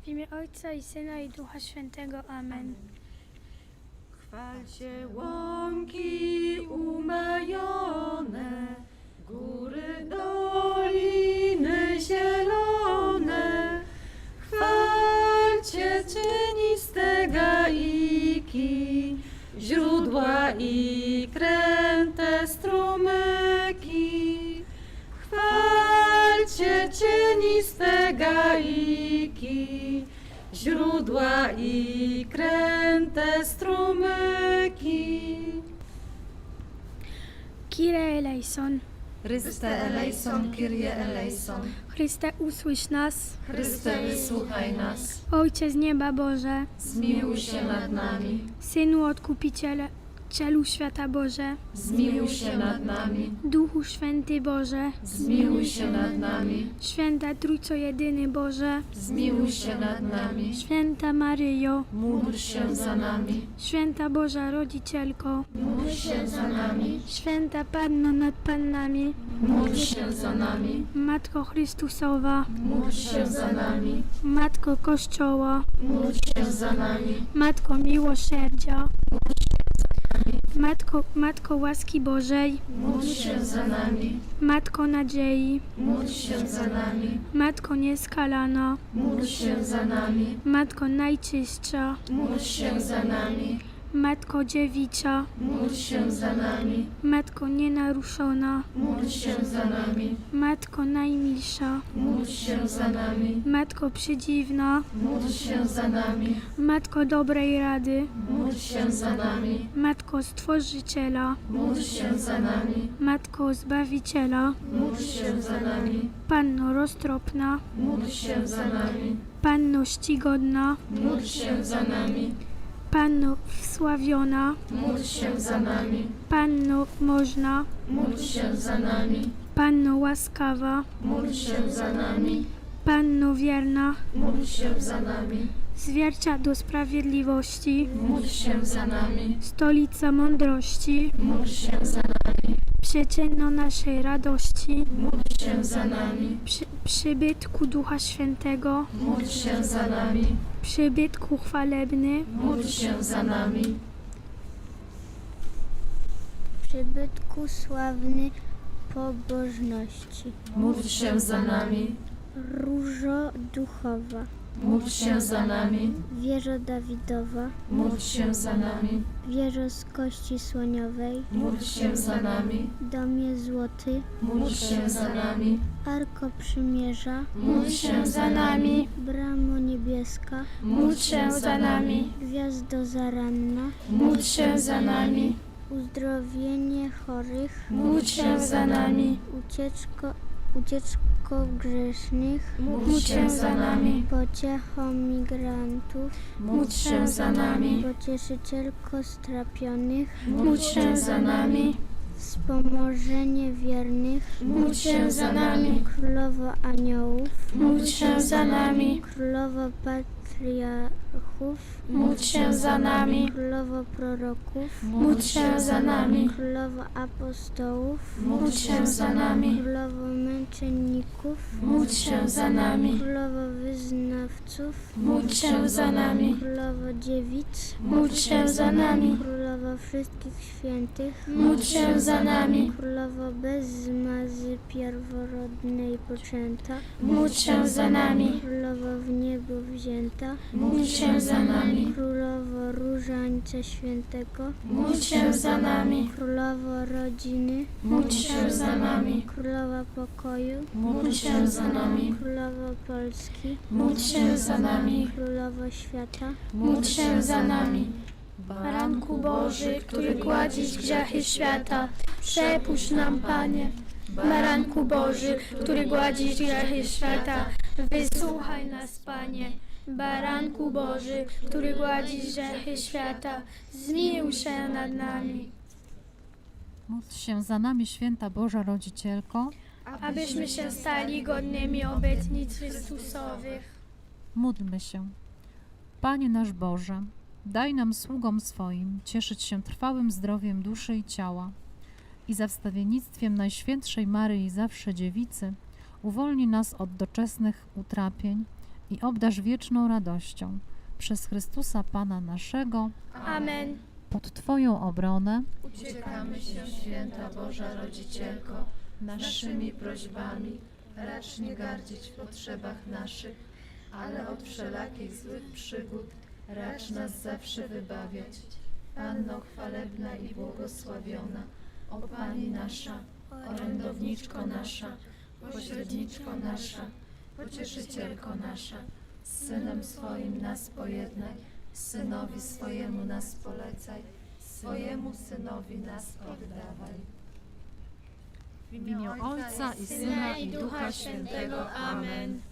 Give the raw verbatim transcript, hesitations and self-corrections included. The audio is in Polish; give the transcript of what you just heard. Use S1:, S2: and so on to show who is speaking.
S1: W imię Ojca i Syna i Ducha Świętego. Amen.
S2: Chwalcie łąki umajone, góry, doliny zielone. Chwalcie cieniste gaiki, źródła i kręte strumyki. Chwalcie cieniste gaiki, źródła i kręte strumyki.
S1: Kyrie eleison.
S2: Chryste eleison, Kyrie eleison.
S1: Chryste, usłysz nas.
S2: Chryste, wysłuchaj nas.
S1: Ojcze z nieba Boże,
S2: Zmiłuj się nad nami.
S1: Synu Odkupiciele, Cielu Świata Boże,
S2: Zmiłuj się nad nami.
S1: Duchu Święty Boże,
S2: Zmiłuj się nad nami.
S1: Święta Trójco Jedyny Boże,
S2: Zmiłuj się nad nami.
S1: Święta Maryjo,
S2: Módl się za nami.
S1: Święta Boża Rodzicielko,
S2: Módl się za nami.
S1: Święta Panno nad Pannami,
S2: Módl się za nami.
S1: Matko Chrystusowa,
S2: Módl się za nami.
S1: Matko Kościoła,
S2: Módl się za nami.
S1: Matko Miłosierdzia, Matko, Matko łaski Bożej,
S2: Módl się za nami.
S1: Matko nadziei,
S2: Módl się za nami.
S1: Matko nieskalana,
S2: Módl się za nami.
S1: Matko najczystsza,
S2: Módl się za nami.
S1: Matko dziewica,
S2: Módl się za nami.
S1: Matko nienaruszona,
S2: Módl się za nami.
S1: Matko najmilsza,
S2: Módl się za nami.
S1: Matko przedziwna,
S2: Módl się za nami.
S1: Matko dobrej rady,
S2: Módl się za nami.
S1: Matko Stworzyciela,
S2: Módl się za nami.
S1: Matko Zbawiciela,
S2: Módl się za nami.
S1: Panno roztropna,
S2: Módl się za nami.
S1: Panno czcigodna,
S2: Módl się za nami.
S1: Panno wsławiona,
S2: Módl się za nami.
S1: Panno można,
S2: Módl się za nami.
S1: Panno łaskawa,
S2: Módl się za nami.
S1: Panno wierna,
S2: Módl się za nami.
S1: zwierciadło sprawiedliwości,
S2: Módl się za nami.
S1: stolica mądrości,
S2: Módl się za nami.
S1: przyczyno naszej radości,
S2: Módl się za nami.
S1: przy, przybytku Ducha Świętego,
S2: Módl się za nami.
S1: przybytku chwalebny,
S2: Módl się za nami.
S1: przybytku sławny pobożności,
S2: Módl się za nami.
S1: różo duchowa,
S2: Módl się za nami.
S1: wieżo Dawidowa,
S2: Módl się za nami.
S1: wieżo z kości słoniowej,
S2: Módl się za nami.
S1: domie złoty,
S2: Módl się za nami.
S1: arko przymierza,
S2: Módl się za nami.
S1: bramo niebieska,
S2: Módl się za nami.
S1: gwiazdo zaranna,
S2: Módl się za nami.
S1: uzdrowienie chorych,
S2: Módl się za nami.
S1: ucieczko, ucieczko grzesznych,
S2: Módl się za nami.
S1: pociecho migrantów,
S2: Módl się za nami.
S1: pocieszycielko strapionych,
S2: Módl się za nami.
S1: wspomożenie wiernych,
S2: Módl się za nami.
S1: królowo aniołów,
S2: Módl się za nami.
S1: królowo patriarchów,
S2: Módl się za nami.
S1: królowo proroków,
S2: Módl się za nami.
S1: królowo apostołów,
S2: Módl się za nami.
S1: królowo męczenników,
S2: Módl się za nami.
S1: królowo wyznawców,
S2: Módl się za nami.
S1: królowo dziewic,
S2: Módl się za nami.
S1: królowo wszystkich świętych,
S2: Módl się za nami.
S1: królowo bez zmazy pierworodnej poczęta,
S2: Módl się za nami.
S1: królowo w niebo wzięta,
S2: Módl się za nami.
S1: królowo różańca świętego,
S2: Módl się za nami.
S1: królowo rodziny,
S2: Módl się za nami.
S1: królowa pokoju,
S2: Módl się za nami.
S1: królowo Polski,
S2: Módl się za nami.
S1: królowo świata,
S2: Módl się za nami. Baranku Boży, który gładzisz grzechy świata, przepuść nam, Panie. Baranku Boży, który gładzisz grzechy świata, wysłuchaj nas, Panie. Baranku Boży, który gładzisz grzechy świata, zmiłuj się nad nami.
S3: Módl się za nami, święta Boża Rodzicielko.
S1: abyśmy się stali godnymi obietnic Chrystusowych.
S3: Módlmy się. Panie nasz Boże, daj nam sługom swoim cieszyć się trwałym zdrowiem duszy i ciała i za wstawiennictwem Najświętszej Maryi Zawsze Dziewicy uwolni nas od doczesnych utrapień i obdarz wieczną radością. Przez Chrystusa Pana naszego,
S2: Amen.
S3: pod Twoją obronę
S4: Uciekamy się, święta Boża Rodzicielko, naszymi prośbami, racz nie gardzić w potrzebach naszych, ale od wszelakich złych przygód racz nas zawsze wybawiać. Panno chwalebna i błogosławiona, o Pani nasza, orędowniczko nasza, pośredniczko nasza, pocieszycielko nasza, z Synem swoim nas pojednaj, Synowi swojemu nas polecaj, swojemu Synowi nas oddawaj.
S3: w imię Ojca i Syna i Ducha Świętego.
S2: Amen.